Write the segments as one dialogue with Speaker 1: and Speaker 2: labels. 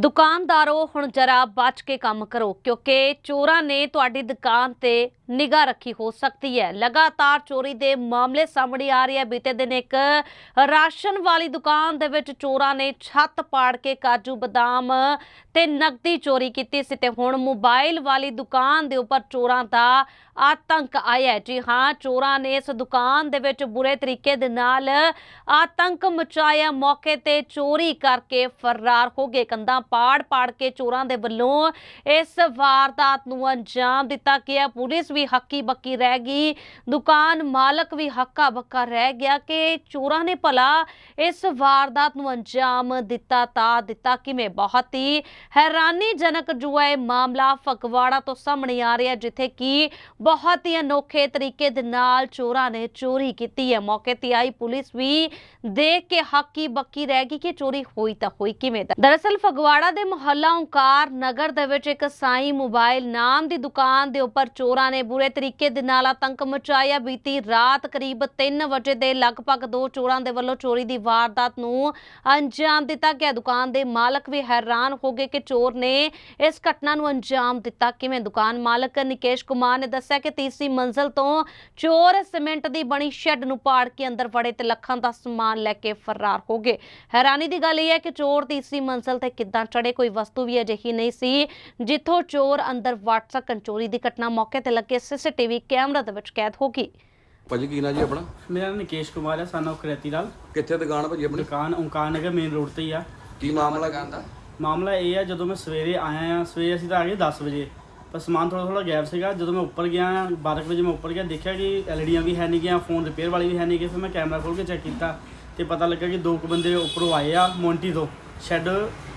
Speaker 1: ਦੁਕਾਨਦਾਰੋ ਹੁਣ ਜਰਾ ਬਚ ਕੇ ਕੰਮ ਕਰੋ ਕਿਉਂਕਿ ਚੋਰਾਂ ਨੇ ਤੁਹਾਡੀ ਦੁਕਾਨ ਤੇ ਨਿਗਾਹ ਰੱਖੀ ਹੋ ਸਕਦੀ ਹੈ। लगातार चोरी के मामले सामने आ रहे हैं। बीते दिन एक राशन वाली दुकान दे विच चोरां ने छत पाड़ के काजू बादाम ते नकदी चोरी की सी ते हुण मोबाइल वाली दुकान दे उपर चोरां दा आतंक आया है। जी हाँ, चोरां ने इस दुकान दे विच बुरे तरीके दे नाल आतंक मचाया, मौके ते चोरी करके फरार हो गए। कंधां पाड़ पाड़ के चोरां दे वल्लों इस वारदात नूं अंजाम दिता गया। पुलिस भी हक्की बक्की रह गई, दुकान मालक भी हक्का बक्का रह गया कि चोरां ने भला इस वारदात नूं अंजाम दिता किवें। बहुत ही हैरानीजनक जो है मामला फगवाड़ा तो सामने आ रहा है, जिथे कि बहुत ही अनोखे तरीके दे नाल चोरां ने चोरी की है। मौके ते आई पुलिस भी देख के हक्की बक्की रह गई कि चोरी होई तां होई किवें। दरअसल फगवाड़ा दे मुहल्ला ओंकार नगर दे विच एक साई मोबाइल नाम दी दुकान दे उपर चोरां ने बुरे तरीके दे नाल आतंक मचाया। बीती रात करीब 3 बजे दे लगभग 2 चोरां दे वल्लों चोरी दी वारदात नूं अंजाम दिता गया। दुकान दे मालक भी हैरान हो गए कि चोर ने इस घटना नूं अंजाम दिता किवें। दुकान मालक निकेश कुमार ने दस्सिया कि तीसरी मंजिल तो चोर सीमेंट दी बनी शैड नूं पाड़ के अंदर वड़े ते लखां दा समान लैके फरार हो गए। हैरानी दी गल यह है कि चोर तीसरी मंजिल ते किद्दां चढ़े, कोई वस्तु भी अजिही नहीं सी जिथों चोर अंदर वड़ सकन। चोरी दी घटना मौके ते लगे सीसीटीवी कैमरा दे विच कैद हो गई।
Speaker 2: ਭਾਜੀ ਕੀ ਨਾਂ ਜੀ ਆਪਣਾ?
Speaker 3: ਮੇਰਾ ਨਾਮ ਨਿਕੇਸ਼ ਕੁਮਾਰ ਹੈ, ਸਾਨੂੰ ਕਰੇਤੀ ਲਾਲ।
Speaker 2: ਕਿੱਥੇ ਦੁਕਾਨ ਭਾਜੀ ਆਪਣੀ?
Speaker 3: ਦੁਕਾਨ ਓਂਕਾਰ ਨਗਰ ਮੇਨ ਰੋਡ ਤੇ ਹੀ ਆ।
Speaker 2: ਕੀ ਮਾਮਲਾ ਕਹਿੰਦਾ?
Speaker 3: ਮਾਮਲਾ ਇਹ ਆ, ਜਦੋਂ ਮੈਂ ਸਵੇਰੇ ਆਇਆ ਆ, ਸਵੇਰੇ ਅਸੀਂ ਤਾਂ ਆ ਗਏ 10 ਵਜੇ, ਪਰ ਸਮਾਨ ਥੋੜਾ ਗੈਪ ਸੀਗਾ। ਜਦੋਂ ਮੈਂ ਉੱਪਰ ਗਿਆ 12 ਵਜੇ ਮੈਂ ਉੱਪਰ ਗਿਆ, ਦੇਖਿਆ ਕਿ ਐਲਈਡੀਆਂ ਵੀ ਹੈ ਨਹੀਂ ਗਈਆਂ, ਫੋਨ ਰਿਪੇਅਰ ਵਾਲੀ ਵੀ ਹੈ ਨਹੀਂ ਗਈ। ਫਿਰ ਮੈਂ ਕੈਮਰਾ ਖੋਲ੍ਹ ਕੇ ਚੈੱਕ ਕੀਤਾ ਤੇ ਪਤਾ ਲੱਗਾ ਕਿ 2 ਬੰਦੇ ਉੱਪਰੋਂ ਆਏ ਆ, ਮੋਂਟੀ ਤੋਂ ਸ਼ੈੱਡ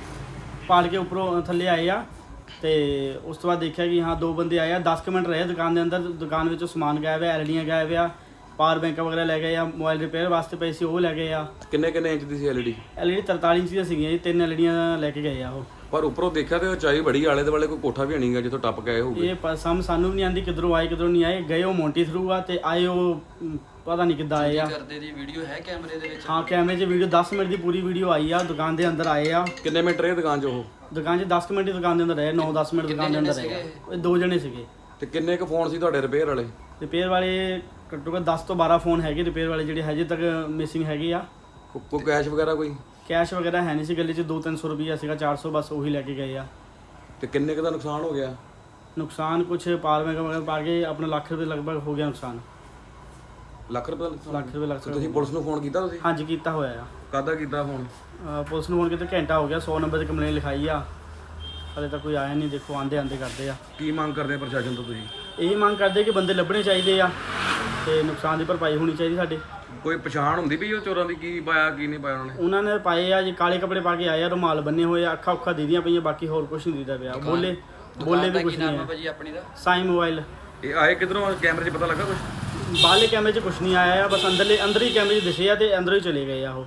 Speaker 3: ਪਾੜ ਕੇ ਉੱਪਰੋਂ ਥੱਲੇ ਆਏ ਆ। ਤੇ ਉਸ ਤੋਂ ਬਾਅਦ ਦੇਖਿਆ ਕਿ ਹਾਂ 2 ਬੰਦੇ ਆਏ ਆ। 10 ਮਿੰਟ ਰਹੇ ਦੁਕਾਨ ਦੇ ਅੰਦਰ। ਦੁਕਾਨ ਵਿੱਚੋਂ ਸਮਾਨ ਗਾਇਬ ਹੈ, ਐਲਈਡੀਆਂ ਗਾਇਬ ਆ, ਪਾਵਰ ਬੈਂਕ ਵਗੈਰਾ ਲੈ ਗਏ ਆ, ਮੋਬਾਈਲ ਰਿਪੇਅਰ ਵਾਸਤੇ ਪਏ ਸੀ ਉਹ ਲੈ ਗਏ ਆ।
Speaker 2: ਕਿੰਨੇ ਇੰਚ ਦੀ ਸੀ ਐਲਈਡੀ?
Speaker 3: ਐਲਈਡੀ 43 ਇੰਚ ਦੀਆਂ ਸੀਗੀਆਂ ਜੀ, 3 ਐਲਈਡੀਆਂ ਲੈ ਕੇ ਗਏ ਆ ਉਹ।
Speaker 2: ਪਰ ਉੱਪਰੋਂ ਦੇਖਿਆ ਤੇ ਉਚਾਈ ਬੜੀ, ਆਲੇ ਦੁਆਲੇ ਕੋਈ ਕੋਠਾ ਵੀ ਨਹੀਂਗਾ ਜਿੱਥੋਂ ਟੱਪ ਗਏ ਹੋਊਗੇ।
Speaker 3: ਇਹ ਸਾਨੂੰ ਵੀ ਨਹੀਂ ਆਂਦੀ ਕਿੱਧਰੋਂ ਆਏ ਕਿੱਧਰੋਂ ਨਹੀਂ ਆਏ। ਗਏ ਉਹ ਮੋਂਟੀ ਥਰੂ ਆ ਤੇ ਆਏ ਉਹ ਪਤਾ ਨਹੀਂ ਕਿੱਦਾਂ ਆਏ ਆ।
Speaker 4: ਕਰਦੇ ਦੀ ਵੀਡੀਓ ਹੈ ਕੈਮਰੇ ਦੇ ਵਿੱਚ?
Speaker 3: ਹਾਂ, ਕੈਮਰੇ 'ਚ ਵੀਡੀਓ 10 ਮਿੰਟ ਦੀ ਪੂਰੀ ਵੀਡੀਓ ਆਈ ਆ। ਦੁਕਾਨ ਦੇ ਅੰਦਰ ਆਏ ਆ।
Speaker 2: ਕਿੰਨੇ ਮਿੰਟ ਰਹੇ ਦੁਕਾਨ 'ਚ ਉਹ?
Speaker 3: ਦੁਕਾਨ 'ਚ 10 ਮਿੰਟ ਦੀ ਦੁਕਾਨ ਦੇ ਅੰਦਰ ਰਹੇ, 9-10 ਮਿੰਟ ਦੁਕਾਨ ਦੇ ਅੰਦਰ ਰਹੇ। ਇਹ 2 ਜਣੇ ਸੀਗੇ।
Speaker 2: ਤੇ ਕਿੰਨੇ ਕੁ ਫੋਨ ਸੀ ਤੁਹਾਡੇ ਰਿਪੇਅਰ ਵਾਲੇ?
Speaker 3: ਰਿਪੇਅਰ ਵਾਲੇ ਘੱਟੋ ਘੱਟ 10 ਤੋਂ 12 ਫੋਨ ਹੈਗੇ ਰਿਪੇਅਰ ਵਾਲੇ, ਜਿਹੜੇ ਹਜੇ ਤੱਕ ਮਿਸਿੰਗ ਹੈਗੇ ਆ।
Speaker 2: ਕੋਈ ਕੈਸ਼ ਵਗੈਰਾ ਕੋਈ?
Speaker 3: ਕੈਸ਼ ਵਗੈਰਾ ਹੈ ਨਹੀਂ ਸੀ ਗੱਲੇ 'ਚ। 200-300 ਰੁਪਈਆ ਸੀਗਾ, 400 ਬਸ ਉਹੀ ਲੈ ਕੇ ਗਏ ਆ।
Speaker 2: ਤੇ ਕਿੰਨੇ ਕੁ ਦਾ ਨੁਕਸਾਨ ਹੋ ਗਿਆ?
Speaker 3: ਨੁਕਸਾਨ ਕੁਛ ਪਾਵਰ ਬੈਂਕ ਵਗੈਰਾ ਪਾ ਕੇ ਆਪਣਾ ਲੱਖ ਰੁਪਏ ਲਗਭਗ ਹੋ ਗਿਆ ਨੁਕਸਾਨ।
Speaker 2: ਲੱਖ ਰੁਪਏ ਦਾ ਨੁਕਸਾਨ?
Speaker 3: ਲੱਖ ਰੁਪਏ ਲੱਗ
Speaker 2: ਤੇ ਤੁਸੀਂ ਪੁਲਿਸ ਨੂੰ ਫੋਨ ਕੀਤਾ ਤੁਸੀਂ?
Speaker 3: ਹਾਂਜੀ ਕੀਤਾ ਹੋਇਆ ਆ।
Speaker 2: ਕਾਹਦਾ ਕੀਤਾ ਫੋਨ?
Speaker 3: ਪੁਲਿਸ ਨੂੰ ਹੁਣ ਕਿਤੇ ਘੰਟਾ ਹੋ ਗਿਆ, 100 ਨੰਬਰ 'ਤੇ ਕੰਪਲੇਨ ਲਿਖਾਈ ਆ, ਹਲੇ ਤੱਕ ਕੋਈ ਆਇਆ ਨਹੀਂ। ਦੇਖੋ ਆਂਦੇ ਕਰਦੇ ਆ।
Speaker 2: ਕੀ ਮੰਗ ਕਰਦੇ ਆ ਪ੍ਰਸ਼ਾਸਨ ਤੋਂ ਤੁਸੀਂ?
Speaker 3: ਇਹੀ ਮੰਗ ਕਰਦੇ ਕਿ ਬੰਦੇ ਲੱਭਣੇ ਚਾਹੀਦੇ ਆ ਤੇ ਨੁਕਸਾਨ ਦੀ ਭਰਪਾਈ ਹੋਣੀ ਚਾਹੀਦੀ ਸਾਡੇ।
Speaker 2: ਕੋਈ ਪਛਾਣ ਹੁੰਦੀ ਵੀ ਉਹ ਚੋਰਾਂ ਦੀ ਕੀ ਪਾਇਆ ਕੀ ਨਹੀਂ ਪਾਇਆ
Speaker 3: ਉਹਨਾਂ ਨੇ ਪਾਏ ਆ ਜੀ, ਕਾਲੇ ਕੱਪੜੇ ਪਾ ਕੇ ਆਏ ਆ, ਰੁਮਾਲ ਬੰਨੇ ਹੋਏ ਆ, ਅੱਖਾਂ ਉੱਖਾਂ ਦੀਦੀਆਂ ਪਈਆਂ, ਬਾਕੀ ਹੋਰ ਕੁਝ ਨਹੀਂ ਦੀਦਾ ਪਿਆ। ਬੋਲੇ ਵੀ ਕੁਝ ਨਹੀਂ ਹੈ
Speaker 4: ਭਾਜੀ ਆਪਣੀ ਦਾ?
Speaker 3: ਸਾਈ ਮੋਬਾਈਲ।
Speaker 2: ਇਹ ਆਏ ਕਿਧਰੋਂ? ਕੈਮਰੇ 'ਚ ਪਤਾ ਲੱਗਾ ਕੁਝ?
Speaker 3: ਬਾਹਰਲੇ ਕੈਮਰੇ 'ਚ ਕੁਝ ਨਹੀਂ ਆਇਆ ਆ, ਬਸ ਅੰਦਰ ਹੀ ਕੈਮਰੇ 'ਚ ਦਿਸੇ ਆ ਤੇ ਅੰਦਰੋਂ ਹੀ ਚਲੇ ਗਏ ਆ ਉਹ।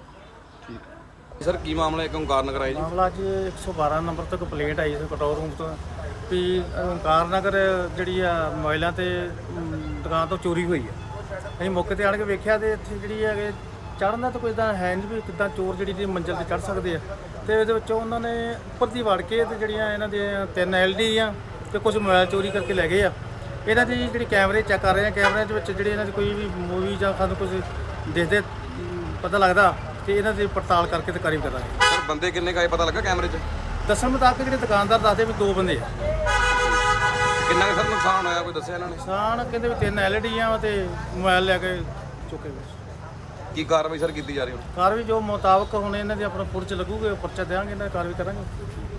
Speaker 2: ਸਰ ਕੀ ਮਾਮਲਾ? ਇੱਕ ਓਂਕਾਰ ਨਗਰ ਆਏ ਜੀ?
Speaker 5: ਮਾਮਲਾ ਅੱਜ 112 ਨੰਬਰ ਤੋਂ ਕੰਪਲੇਂਟ ਆਈ ਸੀ ਕੰਟਰੋਲ ਰੂਮ ਤੋਂ ਵੀ ਓਂਕਾਰ ਨਗਰ ਜਿਹੜੀ ਆ ਮੋਬਾਈਲਾਂ ਤੇ ਦੁਕਾਨ ਤੋਂ ਚੋਰੀ ਹੋਈ ਆ। ਅਸੀਂ ਮੌਕੇ ਤੇ ਆਣ ਕੇ ਵੇਖਿਆ ਤੇ ਇੱਥੇ ਜਿਹੜੀ ਹੈਗੇ ਚੜ੍ਹਨ ਦਾ ਤਾਂ ਕੋਈ ਤਾਂ ਹੈ ਨਹੀਂ ਵੀ ਕਿੱਦਾਂ ਚੋਰ ਜਿਹੜੀ ਮੰਜ਼ਿਲ ਤੇ ਚੜ੍ਹ ਸਕਦੇ ਆ। ਤੇ ਇਹਦੇ ਵਿੱਚੋਂ ਉਹਨਾਂ ਨੇ ਉੱਪਰ ਦੀ ਵੜ ਕੇ ਤੇ ਜਿਹੜੀਆਂ ਇਹਨਾਂ ਦੀਆਂ 3 ਐਲਡੀ ਆ ਤੇ ਕੁਝ ਮੋਬਾਈਲ ਚੋਰੀ ਕਰਕੇ ਲੈ ਗਏ ਆ। ਇਹਨਾਂ ਦੀ ਜਿਹੜੀ ਕੈਮਰੇ ਚੈੱਕ ਕਰ ਰਹੇ ਆ, ਕੈਮਰਿਆਂ ਦੇ ਵਿੱਚ ਜਿਹੜੀ ਇਹਨਾਂ ਦੀ ਕੋਈ ਵੀ ਮੂਵੀ ਜਾਂ ਸਾਨੂੰ ਕੁਝ ਦੇਖਦੇ ਪਤਾ ਲੱਗਦਾ ਕਿ ਇਹਨਾਂ ਦੀ ਪੜਤਾਲ ਕਰਕੇ ਤੇ ਕਾਰਵਾਈ ਕਰਾਂਗੇ।
Speaker 2: ਸਰ ਬੰਦੇ ਕਿੰਨੇ ਕਾਏ ਪਤਾ ਲੱਗਾ ਕੈਮਰੇ 'ਚ?
Speaker 5: ਦੱਸਣ ਮੁਤਾਬਕ ਜਿਹੜੇ ਦੁਕਾਨਦਾਰ ਦੱਸਦੇ ਵੀ 2 ਬੰਦੇ ਆ।
Speaker 2: ਕਿੰਨਾ ਕੁ ਸਰ ਨੁਕਸਾਨ ਹੋਇਆ ਕੋਈ ਦੱਸਿਆ ਇਹਨਾਂ ਨੇ?
Speaker 5: ਨੁਕਸਾਨ ਕਹਿੰਦੇ ਵੀ 3 ਐਲਈਡੀਆਂ ਤੇ ਮੋਬਾਈਲ ਲੈ ਕੇ ਚੁੱਕੇ ਗਏ।
Speaker 2: ਕੀ ਕਾਰਵਾਈ ਸਰ ਕੀਤੀ ਜਾ ਰਹੀ ਹੁਣ?
Speaker 5: ਕਾਰਵਾਈ ਜੋ ਮੁਤਾਬਕ ਹੁਣ ਇਹਨਾਂ ਦੇ ਆਪਣਾ ਪੁਰਚ ਲੱਗੂਗੇ, ਪਰਚਾ ਦੇਵਾਂਗੇ, ਇਹਨਾਂ ਦੀ ਕਾਰਵਾਈ ਕਰਾਂਗੇ।